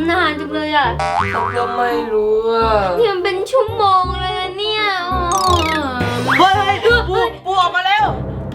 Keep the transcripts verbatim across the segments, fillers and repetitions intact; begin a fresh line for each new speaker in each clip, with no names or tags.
นานจังเลยอ่ะ
เขาก็ไม่รู้อ่ะ
เนี่ยมันเป็นชั่วโมงเลยนะเนี่ย
เฮ้ยปูปูออกมาแล้ว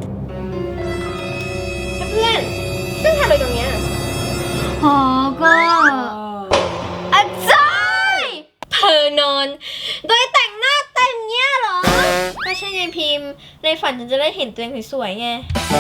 เพื่อนซึ่งทำอะไรตรงเนี้ย
อ๋อก็อาจารย์เธอนอนโดยแต่งหน้าเต็มเนี้ยเหรอ
ก็ใช่ไงพิมพ์ในฝันฉันจะได้เห็นตัวเองสวยๆไง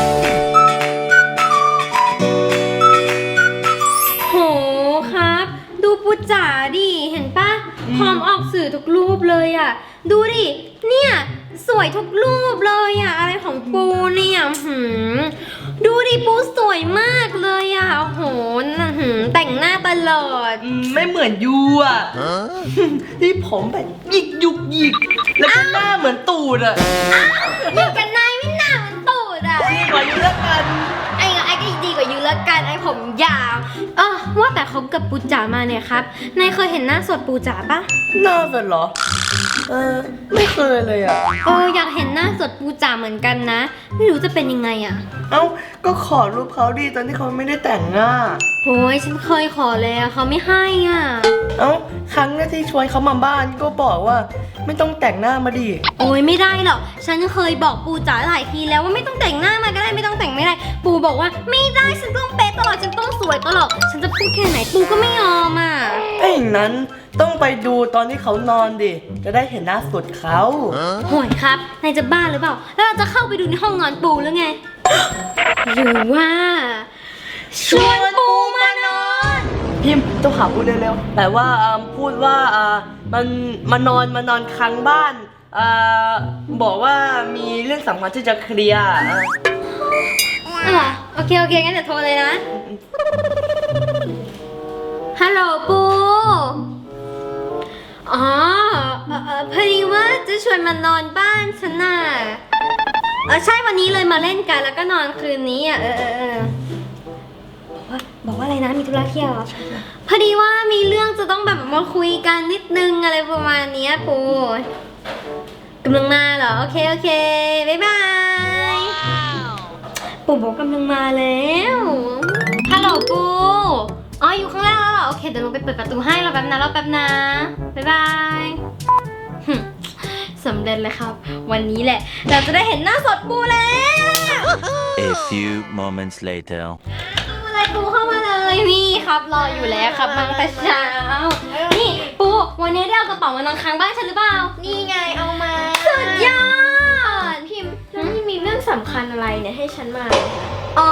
โหครับดูปูจ๋าดิเห็นปะพร้อมออกสื่อทุกรูปเลยอ่ะดูดิเนี่ยสวยทุกรูปเลยอ่ะอะไรของปูเนี่ยหืมดูดิปูสวยมากเลยอ่ะโอ้โหหืมแต่งหน้าตลอด
ไม่เหมือนยูอ่ะที่ผมแบบหยิกยุกหยิกแล้วก็หน้าเหมือนตูดอ่ะ
หยิกกันนายไม่หน้าเหมือนตูดอ่ะ
ดีกว่ายูแล้วกัน
ไอ้ไอ้ก็ดีกว่ายูแล้วกันไอ้ผมยาวเออว่าแต่เขากับปูจ๋ามาเนี่ยครับนายเคยเห็นหน้าสดปูจ๋าปะ
หน้าสดเหรอเออไม่เคยเลยอ่ะ
เอออยากเห็นหน้าสดปูจ๋าเหมือนกันนะไม่รู้จะเป็นยังไงอ่ะ
เอ้าก็ขอรูปเขาดีตอนที่เขาไม่ได้แต่งหน้า
โอ้ยฉันเคยขอแล้วเขาไม่ให้อ่ะ
เอ้าครั้งแรกที่ชวนเขามาบ้านก็บอกว่าไม่ต้องแต่งหน้ามาดิ
โอ้ยไม่ได้หรอกฉันเคยบอกปูจ๋าหลายทีแล้วว่าไม่ต้องแต่งหน้ามาก็ได้ไม่ต้องแต่งไม่ได้ปูบอกว่าไม่ได้ฉันต้องเป๊ะตลอดฉันต้องสวยตลอดฉันจะพูดแค่ไหนปูก็ไม่ยอมอ่ะ
ถ้าอย่างนั้นต้องไปดูตอนที่เขานอนดิจะได้เห็นหน้าสดเขา
โหยครับนายจะบ้าหรือเปล่าแล้วเราจะเข้าไปดูในห้องนอนปูหรือไงหรือว่าชวนปูมานอน
พิมพ์ต้องหาพูดเร็วๆแต่ว่าพูดว่ามันมานอนมานอนค้างบ้านบอกว่ามีเรื่องสำคัญที่จะเคลียร์
อ่ะโอเคโอเคงั้นเดี๋ยวโทรเลยนะฮัลโหลปูอ๋อพอดีว่าจะชวนมานอนบ้านฉันน่ะเออใช่วันนี้เลยมาเล่นกันแล้วก็นอนคืนนี้อ่ะเออเออเออบอกว่าอะไรนะมีธุระเที่ยวพอดีว่ามีเรื่องจะต้องแบบมาคุยกันนิดนึงอะไรประมาณนี้ปูกำลังมาเหรอโอเคโอเคบ๊ายบายปูบอกกำลังมาแล้วฮัลโหลปูอ๋ออยู่ข้างล่างแล้วเหรอโอเคเดี๋ยวลงไปเปิดประตูให้รอแป๊บนะรอแป๊บนะบ๊ายบายสำเร็จเลยครับวันนี้แหละเราจะได้เห็นหน้าสดปูแล้ว
A few moments later
อะไรปูเข้ามาเลยนี่ครับรออยู่แล้วครับมาแต่เช้านี่ปูวันนี้ได้เอากระเป๋ามานอนค้างบ้านฉันหรือเปล่า
นี่ไงเอามา
สุดยอด
พิมพ์แล้วนี่มีเรื่องสำคัญอะไรเนี่ยให้ฉันมา
อ๋อ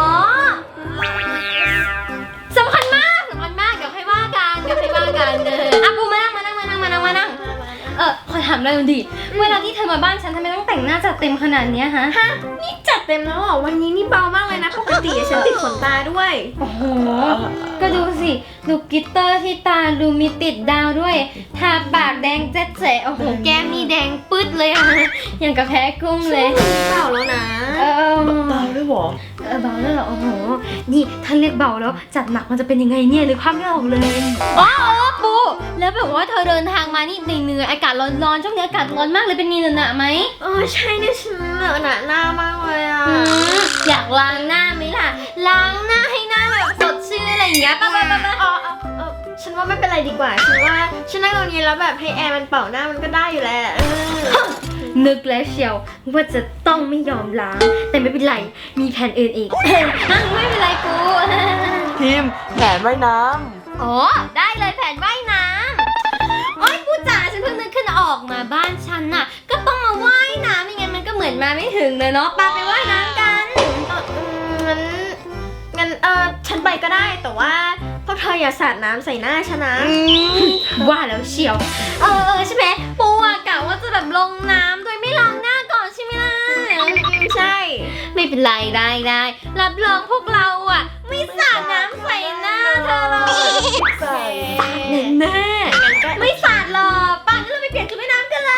สำคัญมากสำคัญมากเดี๋ยวให้ว่ากันเดี๋ยวให้ว่ากันเอออ่ะปูมานั่งมานั่งมานั่งมานั่งมานั่งเออขอถามเลยดิเวลาที่เธอมาบ้านฉันทำไมต้องแต่งหน้าจัดเต็มขนาดนี้ฮะ
ฮะนี่จัดเต็มแล้วเหรอวันนี้นี่เบามากเลยนะปกติฉันติดขนตาด้วย
โอ้โหก็ดูสิดูกลิตเตอร์ที่ตาดูมีติดดาวด้วยทาปากแดงเจ๊ะเจ๊ะโอ้โหแก้มนี่แดงปึ๊ดเลยอะอย่างกับแพ้กุ้งเลย
เบาแล้วนะ
เออ
เบาด้วยหรอ
เออเบาแล้วเหรอโอ้โหนี่ถ้าเรียกเบาแล้วจัดหนักมันจะเป็นยังไงเนี่ยหรือภาพไม่ออกเลยอ๋อปูแล้วแบบว่าเธอเดินทางมานี่เหนื่อยอากาศร้อนๆช่วงนี้อากาศร้อนมากเลยเป็นนี่หนะไหม
เออใช่เนี่ยฉันเหนอะหนะหน้ามากเลยอ่ะ
อยากล้างหน้าไหมล่ะล้างหน้าให้หน้าแบบสดชื่นอะไรอย่างเงี้ยป่ะป่ะป่ะป่ะ
อ๋อเออฉันว่าไม่เป็นไรดีกว่าฉันว่าฉันนั่งตรงนี้แล้วแบบให้แอร์มันเป่าหน้ามันก็ได้อยู่แหละ
นึกแล้วเชียวว่าจะต้องไม่ยอมล้างแต่ไม่เป็นไรมีแผนอื่นอีกไม่เป็นไรกู
ทีมแผนว่ายน้ำ
อ๋อได้เลยแผนว่ายน้ำโอ๊ยปูจ๋าฉันเพิ่งนึกขึ้นออกมาบ้านฉันน่ะก็ต้องมาว่ายน้ำไม่งั้นมันก็เหมือนมาไม่ถึงเลยเนาะปาไปว่ายน้ำกัน
งั้นงั้นเออฉันไปก็ได้แต่ว่าพวกเธออย่าสาดน้ำใส่หน้าฉันนะ
ว่าแล้วเชียวเออเออใช่ไหมปูอะกะว่าจะแบบลงน้ำโดยไม่ล้างหน้าก่อนใช่ไหมล่ะ
ใช่
ไม่เป็นไรได้ได้รับรองพวกเราอะไม่สาดน้ำใส่หน้าเธอหรอก
ใส่
แน่ไม่สาดหรอกป่านนี้เราไปเปลี่ยนชุดว่ายน้ำกันเลย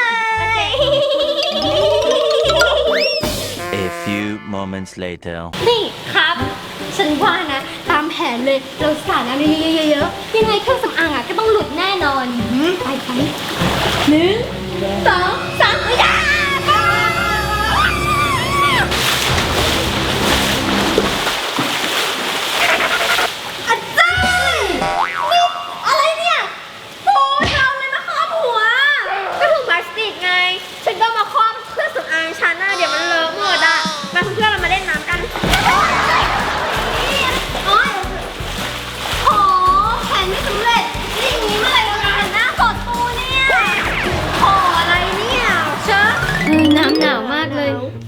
A few moments later
นี่ครับฉันว่านะตามแผนเลยเราสาดน้ำเยอะๆยังไงเครื่องสำอางอ่ะก็ต้องหลุดแน่นอนไปไปหนึ่งสองสามไปจ้าอาจารย์นี่อะไร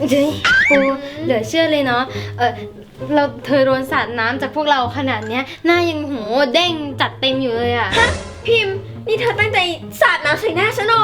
เฮ้ยปูเหลือเชื่อเลยเนาะเออเราเธอโดนสาดน้ำจากพวกเราขนาดเนี้ยหน้ายังโหเด้งจัดเต็มอยู่เลยอะ
ฮะพิมพ์นี่เธอตั้งใจสาดน้ำใส่หน้าฉันเหรอ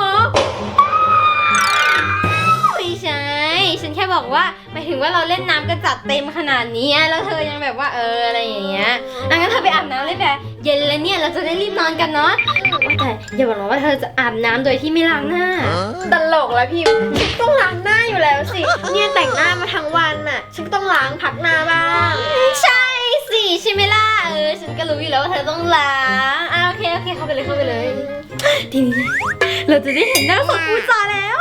ไม่ใช่ ฉันแค่บอกว่าหมายถึงว่าเราเล่นน้ำกันจัดเต็มขนาดนี้อะแล้วเธอยังแบบว่าเอออะไรอย่างเงี้ยอ่ะงั้นเธอไปอาบน้ำเลยแบบเย็นแล้วเนี่ยเราจะได้รีบนอนกันเนาะว่าแต่อย่าบอกนะว่าเธอจะอาบน้ำโดยที่ไม่ล้างหน้า
ตลกแล้วพิมพ์ฉันต้องล้างหน้าอยู่แล้วสิ เนี่ยแต่งหน้ามาทั้งวันน่ะ ฉันก็ต้องล้างพักหน้าบ้าง
ใช่สิใช่ไหมล่ะเออฉันก็รู้อยู่แล้วว่าเธอต้องล้างอ่ะโอเคโอเคเข้าไปเลยเข้าไปเลยทีนี้เราจะได้เห็นหน้าสดปูจ๋าแล้ว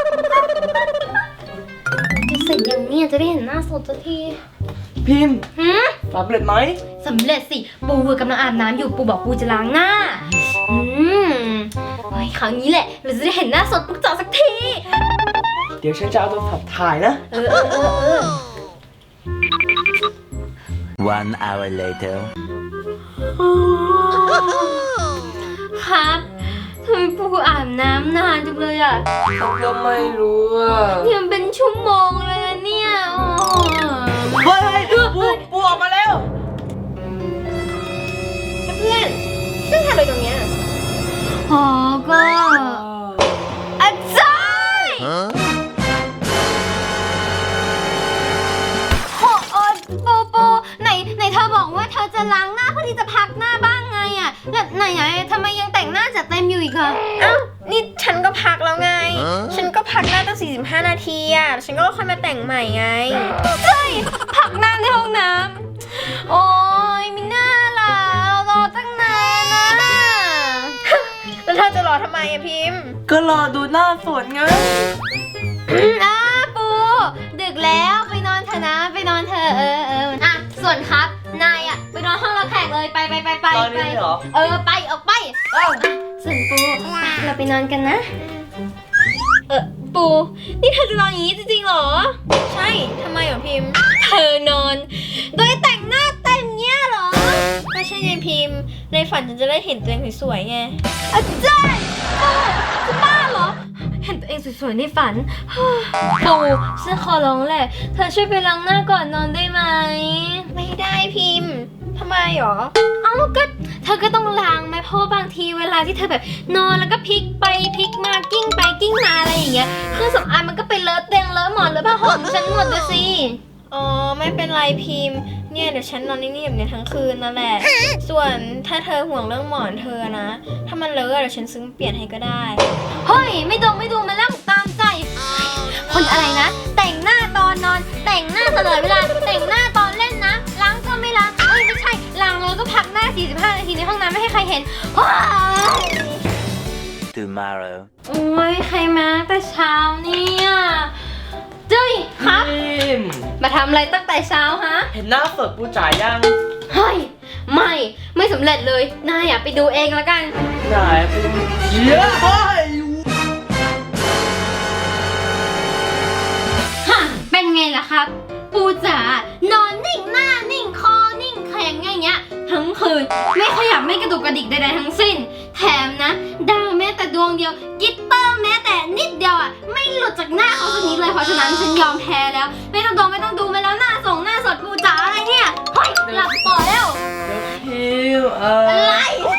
จะเสร็จยังเนี่ยจะได้เห็นหน้าสดสักที
พิมพ์
หืม
สำเร็จไหม
สำเร็จสิปูกำลังอาบน้ำอยู่ปูบอกปูจะล้างหน้าอืมเฮ้ยคราวนี้แหละเราจะได้เห็นหน้าสดปูจ๋าสักที
เดี๋ยวฉันจะเอาโทรศัพท์ถ่ายนะ
เออเออเออเออ
One hour later.
ครับทำไมปูอาบน้ำนานจังเลยอ่ะ
ฉันก็ไม่รู้อ่ะ
เนี่ยมันเป็นชั่วโมงเลยนะเนี่ยโอ้
เฮ้ยเฮ้ยปูปูออกมาแล้ว
เพื่อนซึ่งทำอะไรตรงเนี้ย
โหก็อาจารย์
Huh?
โอ้โอ้ปูปูไหนไหนเธอบอกว่าเธอจะล้างหน้าเพื่อที่จะพักหน้าบ้างไงอ่ะแล้วไหนไหนทำไมยังแต่งหน้าจัดเต็มอยู่อีกอะ
เอ้า นี่ฉันก็พักแล้วไง
ฮะ
ฉันก็พักหน้าตั้งสี่สิบห้านาทีอ่ะ ฉันก็ค่อยมาแต่งใหม่ไง
ใช่พักหน้าในห้องน้ำโอ้ยมีหน้าล่ะรอตั้งนานนะ
แล้วเธอจะรอทำไมอะพิมพ์
ก็รอดูหน้าสดไง
อ่ะปูดึกแล้วไปนอนเถอะนะไปนอนเถอะเออเอออ่ะส่วนครับนายอ่ะไปนอนห้องรับแขกเลยไปไปไปไป
ตอนนี้
ไป
เหรอ
เออไปออกไป
อ้าว
ส่วนปูไปเราไปนอนกันนะ เออปูนี่เธอจะนอนอย่างนี้จริงๆเหรอ
ใช่ทำไมเหรอพิมพ์
เธอนอน โดยแต่งหน้าเต็มเนี้ยเหรอ
ไม่ใช่ไงพิมพ์ ในฝันฉันจะได้เห็นตัวเองสวยๆไง
อาจารย์ปูจะบ้าเหรอ เห็นตัวเองสวยๆในฝัน ปูฉันขอร้องแหละ เธอช่วยไปล้างหน้าก่อนนอนได้ไหม
ไม่ได้พิมพ์ทำไมหรอ
เอ้าก็เธอก็ต้องล้างไหมเพราะว่าบางทีเวลาที่เธอแบบนอนแล้วก็พลิกไปพลิกมากิ้งไปกิ้งมาอะไรอย่างเงี้ยเครื่องสำอางมันก็ไปเลอะเตียงเลอะหมอนเลอะผ้าห่มฉันหมดเลยสิ
อ๋อ ไม่เป็นไรพิมพ์ เนี่ยเดี๋ยวฉันนอนนิ่งๆแบบนี้ทั้งคืนนั่นแหละ ส่วนถ้าเธอห่วงเรื่องหมอนเธอนะ ถ้ามันเลอะเดี๋ยวฉันซื้อมาเปลี่ยนให้ก็ได้
เฮ้ยไม่ดงไม่ดูมาแล้วตามใจคนอะไรนะ แต่งหน้าตอนนอน แต่งหน้าตลอดเวลาแต่งหน้าตอนเล่นนะล้างก็ไม่ล้างเอ้ยไม่ใช่ล้างแล้วก็พักหน้าสี่สิบห้านาทีในห้องน้ำไม่ให้ใครเห็นว้าย
Tomorrow.
โอ้ยใครมาแต่เช้าเนี่ยเจ้ยครับ
พิมพ์
มาทำอะไรตั้งแต่เช้าฮะ
เห็นหน้าสดปูจ๋ายัง
เฮ้ยไม่ไม่สำเร็จเลยนายอ่ะไปดูเองละกัน
ไหนพิมพ์เยอะเฮ้ย
ฮะเป็นไงล่ะครับ ปูจ๋านอนนิ่งหน้านิ่งคอนิ่งแข็งอย่างเงี้ยทั้งคืนไม่ขยับไม่กระดุกกระดิกใดๆทั้งสิ้น แถมนะดาวแม้แต่ดวงเดียวกิตเตอร์แม้แต่นิดเดียวอ่ะไม่หลุดจากหน้าเขาสักนิดเลยเพราะฉะนั้นฉันยอมแพ้แล้ว ไม่ต้องดองไม่ต้องดูมาแล้วหน้าส่งหน้าสดปูจ๋าอะไรเนี่ยเฮ้ยหลับต่อแล้ว
พิมพ์เออ
อะไร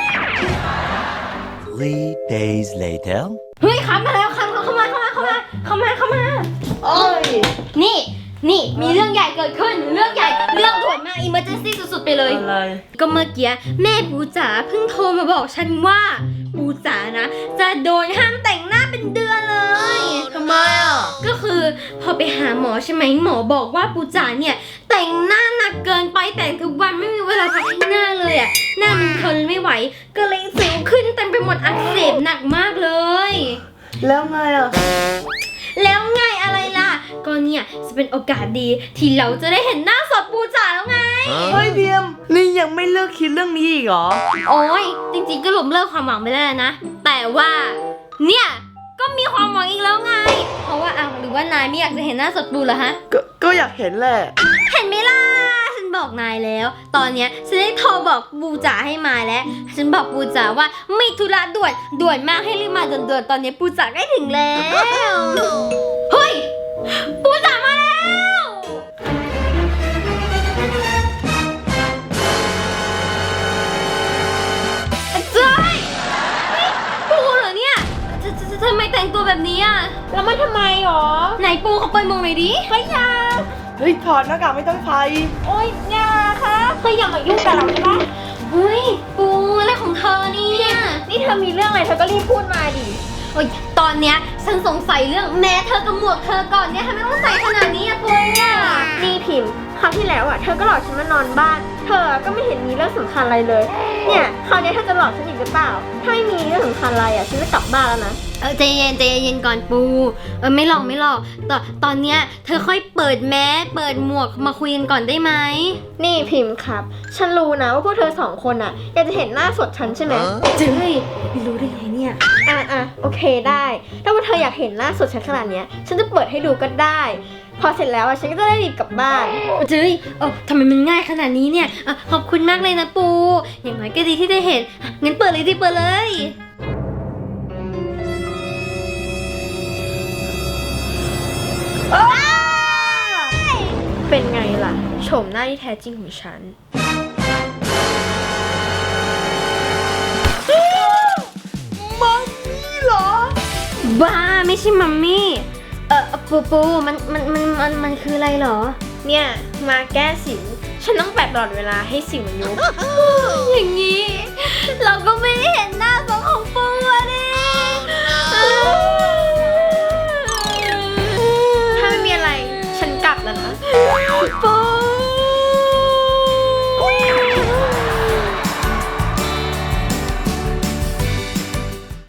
Three days later.
เฮ้ยครับมาแล้วครับเข้ามาเข้ามาเข้ามาเข้ามาเข้ามา
โอ้ย
นี่ นี่ มีเรื่องใหญ่เกิดขึ้น เรื่องใหญ่ เรื่องด่วนมาก อิมเมอร์เจนซี่สุดๆไปเลย
อะไร
ก็เมื่อกี้แม่ปูจ๋าเพิ่งโทรมาบอกฉันว่า ปูจ๋านะ จะโดนห้ามแต่งหน้าเป็นเดือนเลย
ทำไมอ่ะ
ก็คือพอไปหาหมอใช่ไหมหมอบอกว่าปูจ๋าเนี่ยแต่งหน้าหนักเกินไปแต่งทุกวันไม่มีเวลาพักให้หน้าเลยอ่ะ หน้ามันทนไม่ไหว ก็เลยสิวขึ้นเต็มไปหมดอักเสบหนักมากเลย
แล้วไงอ่ะ
แล้วไงอะไรล่ะ ก็เนี่ยจะเป็นโอกาสดีที่เราจะได้เห็นหน้าสดปูจ๋าแล้วไง
เฮ้ยพิมพ์นี่ยังไม่เลิกคิดเรื่องนี้อีกเหรอ
โอ้ยจริงๆก็หลบเลิกความหวังไปแล้วนะ แต่ว่าเนี่ยก็มีความหวังอีกแล้วไง เพราะว่าอ้าวหรือว่านายไม่อยากจะเห็นหน้าสดปูเหรอฮะ
ก็ก็อยากเห็นแหละ
เห็นไหมล่ะฉันบอกนายแล้ว ตอนเนี้ยฉันได้โทรบอกปูจ๋าให้มาแล้ว ฉันบอกปูจ๋าว่ามีธุระด่วนด่วนมากให้รีบมาด่วนๆตอนนี้ปูจ๋าใกล้ถึงแล้วเฮ้ยปูจ๋ามาแล้วแล้วเจ้ยนี่ปูเหรอเนี่ยทททำไมแต่งตัวแบบนี้อ่ะ
แล้วมันทำไมหรอ
ไหนปูเขาไปมองหน่อยดิ
เฮ้ยอยา
เฮ้ยถอดหน้ากากไม่ต้องใส่
โอ๊ยอยาคะเฮ้ยอย่ามายุ่งกับเราได้ปะ
เฮ้ยปูอะไรของเธอเนี่ย
นี่เธอมีเรื่องอะไรเธอก็รีบพูดมาดิ
โอ๊ยตอนเนี้ยฉันสงสัยเรื่องแม้เธอกับหมวกเธอก่อนเนี่ยทำไมต้องใส่ขนาดนี้อะปูอะ
นี่พิมพ์คราวที่แล้วอ่ะเธอก็หลอกฉันมานอนบ้าน เธอก็ไม่เห็นมีเรื่องสำคัญอะไรเลย เนี่ยคราวนี้เธอจะหลอกฉันอีกหรือเปล่า ถ้าไม่มีเรื่องสำคัญอะไรอ่ะฉันจะกลับบ้านแล้วนะ
เออใจเย็นใจเย็นก่อนปูเออไม่หลอกไม่หลอกตอนตอนเนี้ยเธอค่อยเปิดแมสเปิดหมวกมาคุยกันก่อนได้ไหม
นี่พิมพ์ครับ ฉันรู้นะว่าพวกเธอสองคนอ่ะอยากจะเห็นหน้าสดฉันใช่ไหม
เจ้ยรู้ได้ไงเนี่ย
อ่ะอ่ะโอเคได้ ถ้าว่าเธออยากเห็นหน้าสดฉันขนาดเนี้ย ฉันจะเปิดให้ดูก็ได้ พอเสร็จแล้วอ่ะฉันก็จะได้รีบกลับบ้าน
เจ้ยเออทำไมมันง่ายขนาดนี้เนี่ยอ่ะขอบคุณมากเลยนะปู อย่างน้อยก็ดีที่ได้เห็นอ่ะงั้นเปิดเลยดิเปิดเลย
เป็นไงล่ะโฉมหน้าที่แท้จริงของฉัน
มัมมี่เหรอ
บ้าไม่ใช่มัมมี่เออปูปูมันมันมันมันมันคืออะไรเหรอ
เนี่ยมาแก้สิว ฉันต้องแปะตลอดเวลาให้สิวมันยุบ
อย่างนี้